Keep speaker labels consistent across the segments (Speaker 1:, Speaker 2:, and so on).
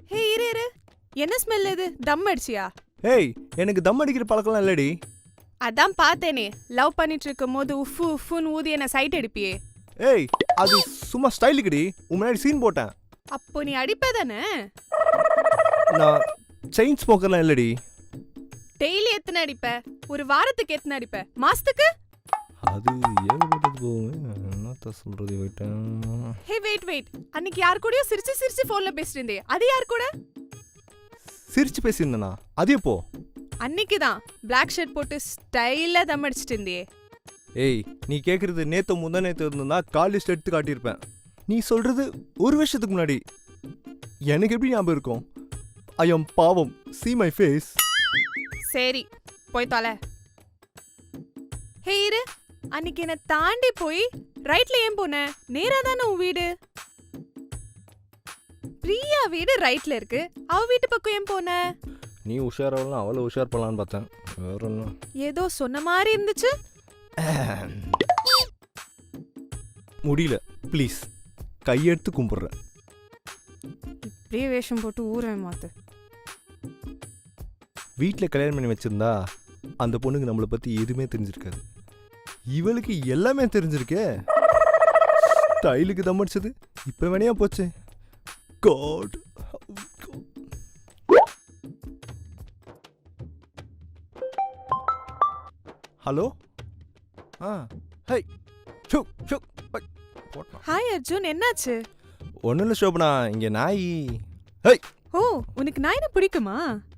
Speaker 1: ஹே இரு இரு, என்ன ஸ்மெல் இது? தம் அடிச்சியா?
Speaker 2: ஏய், எனக்கு தம் அடிக்கிற பழக்கம்லாம் இல்லடி.
Speaker 1: அதான் பார்த்தேனே, லவ் பண்ணிட்டு இருக்கும் போது உஃபு உஃபுன்னு ஊதி என்ன சைட் அடிப்பியே.
Speaker 2: ஏய், அது சும்மா ஸ்டைலுக்குடி. உன் முன்னாடி சீன் போட்டேன்.
Speaker 1: அப்போ நீ அடிப்பதானே?
Speaker 2: நான் செயின் ஸ்மோக்கர்லாம் இல்லடி.
Speaker 1: டெய்லி எத்தனை அடிப்ப? ஒரு வாரத்துக்கு எத்தனை அடிப்ப? மாசத்துக்கு?
Speaker 2: அது ஏகப்பட்டது போகுமே. என்னத்த சொல்றது போயிட்டேன்.
Speaker 1: ஹே வெயிட் வெயிட், அன்னைக்கு யார் கூடயோ சிரிச்சு சிரிச்சு போன்ல பேசிட்டு இருந்தே, அது யார் கூட?
Speaker 2: சிரிச்சு பேசியிருந்தேனா? அது எப்போ?
Speaker 1: அன்னைக்கு தான் பிளாக் ஷர்ட் போட்டு ஸ்டைலா தம் அடிச்சிட்டு இருந்தே.
Speaker 2: ஏய், நீ கேட்குறது நேற்று முந்தா நேற்று இருந்தா கால் லிஸ்ட் எடுத்து காட்டியிருப்பேன். நீ சொல்றது ஒரு வருஷத்துக்கு முன்னாடி. எனக்கு எப்படி ஞாபகம் இருக்கும்? ஐ எம் பாவம். see my face.
Speaker 1: சரி போய் தொலை. ஹே இரு, அன்னைக்கு என்ன தாண்டி போய் ரைட்ல ஏன் போன? நேரா தானே உன் வீடு. பிரியா வீடு ரைட்ல இருக்கு, அவ வீட்டு பக்கம் ஏன் போன?
Speaker 2: நீ உஷாராகலாம் அவளை உஷார் பண்ணலான்னு பார்த்தேன். வேற என்ன?
Speaker 1: ஏதோ சொன்ன மாதிரி இருந்துச்சு.
Speaker 2: முடியல, ப்ளீஸ் கையெடுத்து கும்பிட்றேன்.
Speaker 1: இப்படியே வேஷம் போட்டு ஊரை மாத்து.
Speaker 2: வீட்டில் கல்யாணம் பண்ணி வச்சிருந்தா அந்த பொண்ணுக்கு நம்மளை பற்றி எதுவுமே தெரிஞ்சிருக்காது. இவளுக்கு எல்லாமே தெரிஞ்சிருக்கே. ஸ்டைலுக்கு தம் அடிச்சது இப்போ வேணையா போச்சு. காட். ஹலோ. ஹை ஷோ ஷோ.
Speaker 1: ஹாய் அர்ஜுன், என்னாச்சு?
Speaker 2: ஒன்றும் இல்லை சோபனா, இங்கே நாய். ஹை.
Speaker 1: ஓ, உனக்கு நாயினா பிடிக்குமா?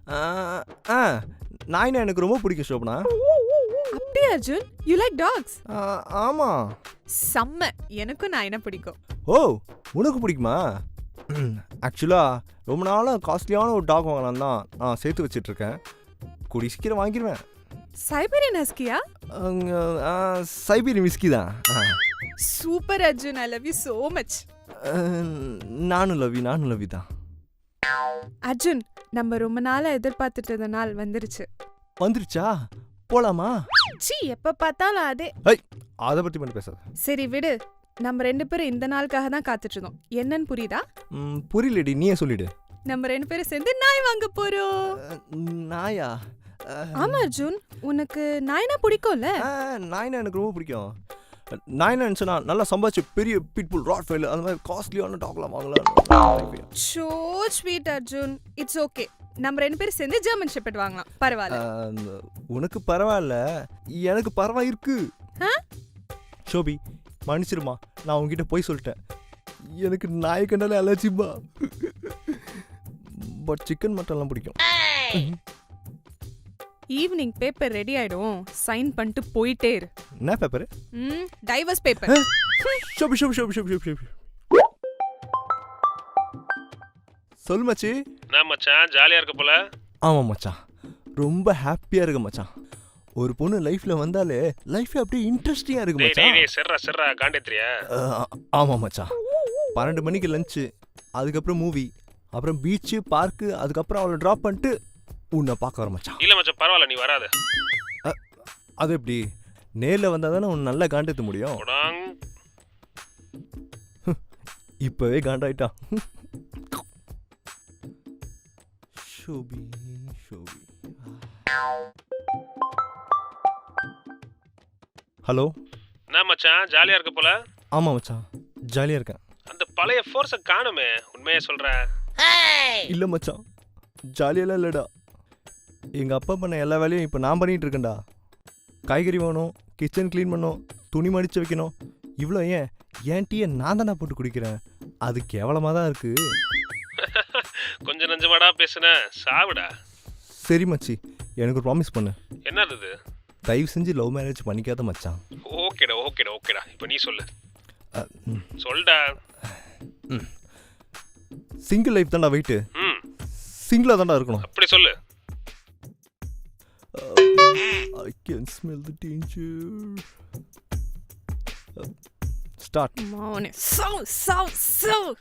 Speaker 2: நாய்னா எனக்கு ரொம்ப பிடிக்கும் சோபனா.
Speaker 1: அப்படியே அர்ஜுன், யூ லைக் டாக்ஸ்?
Speaker 2: ஆமாம்.
Speaker 1: செம்ம, எனக்கும் நாயினா பிடிக்கும்.
Speaker 2: ஓ, உனக்கு பிடிக்குமா? ஆக்சுவலாக ரொம்ப நாளாக காஸ்ட்லியான ஒரு டாக் வாங்கலாம் தான் நான் சேர்த்து வச்சிட்ருக்கேன். கூடி சீக்கிரம் வாங்கிடுவேன்.
Speaker 1: சைபீரியன் ஹஸ்கியா?
Speaker 2: சைபீரியன் விஸ்கி தான்.
Speaker 1: Super Arjun, I love you so much.
Speaker 2: நானும் லவ்வி தான்.
Speaker 1: அர்ஜுன், நம்ம ரொம்ப நாளா எதிர்பார்த்துட்டு இருந்த நாள் வந்துருச்சு.
Speaker 2: வந்துருச்சா? போலாமா?
Speaker 1: சீ, எப்ப பார்த்தாலும் அதே.
Speaker 2: அதை பற்றி மட்டும் பேசாத.
Speaker 1: சரி விடு, நம்ம ரெண்டு பேரும் இந்த நாளுக்காக தான் காத்துட்டு இருந்தோம். என்னன்னு புரியுதா?
Speaker 2: புரியலடி, நீயே சொல்லிடு.
Speaker 1: நம்ம ரெண்டு பேரும் சேர்ந்து நாய் வாங்க போறோம்.
Speaker 2: நாயா?
Speaker 1: ஆமா அர்ஜுன், உனக்கு நாய்னா பிடிக்கும்ல?
Speaker 2: நாய்னா எனக்கு ரொம்ப பிடிக்கும். நாய்னா நினச்சா நல்லா சம்பாதிச்சு பெரிய பிட்புல் ராட்வைல் அந்த மாதிரி காஸ்ட்லியான டாக்லாம் வாங்கலாம்.
Speaker 1: So sweet Arjun, it's okay. நம்ம ரெண்டு பேரும் சேர்ந்து ஜெர்மன் ஷெப்பர்ட் வாங்கலாம். பரவாயில்ல.
Speaker 2: உனக்கு பரவாயில்ல, எனக்கு பரவாயிருக்கு. ஷோபி மன்னிச்சிருமா, நான் உங்ககிட்ட போய் சொல்லிட்டேன். எனக்கு நாய் கண்டாலே அலர்ஜிப்பா. பட் சிக்கன் மட்டன்லாம் பிடிக்கும்.
Speaker 1: ஈவினிங் பேப்பர் ரெடி ஆயிடும், சைன் பண்ணிட்டு போயிட்டே இரு.
Speaker 2: என்ன paper?
Speaker 1: Divorce paper.
Speaker 2: Shobi Shobi Shobi Shobi Shobi. சொல் மச்சி.
Speaker 3: நான் மச்சான் ஜாலியா இருக்க போல.
Speaker 2: ஆமாம் மச்சான், ரொம்ப ஹாப்பியாக இருக்கு மச்சான். ஒரு பொண்ணு லைஃப்ல வந்தாலே லைஃப் அப்படியே இன்ட்ரெஸ்டிங்காக இருக்கு மச்சான்.
Speaker 3: செர்ரா காண்டேத்ரியா?
Speaker 2: ஆமாம் மச்சான். 12 மணிக்கு லஞ்சு, அதுக்கப்புறம் மூவி, அப்புறம் பீச்சு பார்க்கு, அதுக்கப்புறம் அவளை ட்ராப் பண்ணிட்டு உன்னை பார்க்க வர மச்சான்.
Speaker 3: இல்ல மச்சான் பரவாயில்ல, நீ வராத.
Speaker 2: அது எப்படி? நேரில் வந்தால் தானே உன்னை நல்லா காண்டேற்ற முடியும். இப்போவே காண்டாயிட்டான். ஷோபி ஷோபி. ஹலோ.
Speaker 3: நான் மச்சான் ஜாலியா இருக்க போல.
Speaker 2: ஆமாம் மச்சான், ஜாலியாக இருக்கேன்.
Speaker 3: அந்த பழைய ஃபோர்ஸை காணுமே, உண்மையே சொல்ற?
Speaker 2: இல்லை மச்சான், ஜாலியெல்லாம் இல்லைடா. எங்கள் அப்பா பண்ண எல்லா வேலையும் இப்போ நான் பண்ணிகிட்டு இருக்கேன்டா. காய்கறி வாங்கணும், கிச்சன் க்ளீன் பண்ணணும், துணி மடித்து வைக்கணும். இவ்வளோ ஏன் டீயை நான் தானே போட்டு குடிக்கிறேன். அது கேவலமாக தான் இருக்குது.
Speaker 3: கொஞ்சம் நஞ்சமாடா பேசுன, சாவுடா.
Speaker 2: சரி மச்சி, எனக்கு ஒரு ப்ராமிஸ் பண்ணு.
Speaker 3: என்னது இது?
Speaker 2: தயவு செஞ்சு லவ் மேரேஜ் பண்ணிக்காத மச்சான்.
Speaker 3: ஓகேடா இப்போ நீ சொல்லு. சொல்டா.
Speaker 2: சிங்கிள் லைஃப் தான்டா வெயிட்டு. சிங்கிளாக தான்டா இருக்கணும்.
Speaker 3: அப்படி சொல்லு.
Speaker 2: I can smell the danger. Start.
Speaker 1: மௌனே. So